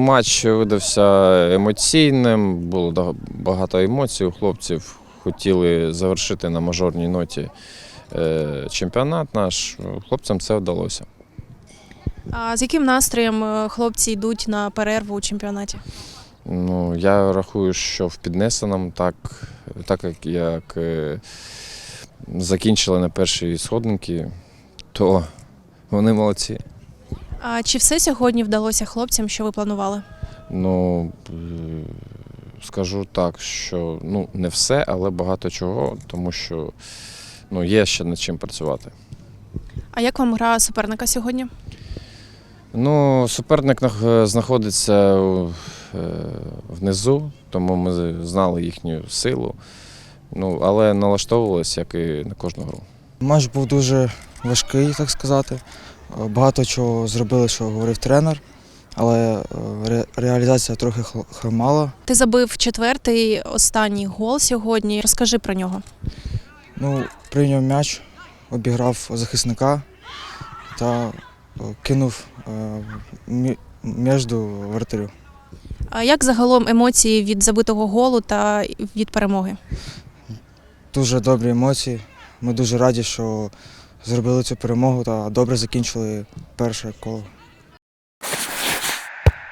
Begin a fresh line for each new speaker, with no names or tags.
матч видався емоційним, було багато емоцій у хлопців. Хотіли завершити на мажорній ноті чемпіонат наш. Хлопцям це вдалося.
А з яким настроєм хлопці йдуть на перерву у чемпіонаті?
Ну, я рахую, що в піднесеному, так як закінчили на першій сходинці, то вони молодці.
А чи все сьогодні вдалося хлопцям, що ви планували?
Ну, скажу так, що не все, але багато чого, тому що є ще над чим працювати.
А як вам гра суперника сьогодні?
Суперник знаходиться внизу, тому ми знали їхню силу, але налаштовувалися, як і на кожну гру.
Матч був дуже важкий, так сказати. Багато чого зробили, що говорив тренер, але реалізація трохи хромала.
Ти забив четвертий, останній гол сьогодні. Розкажи про нього.
Прийняв м'яч, обіграв захисника та кинув між воротарів.
А як загалом емоції від забитого голу та від перемоги?
Дуже добрі емоції. Ми дуже раді, що зробили цю перемогу та добре закінчили перше коло.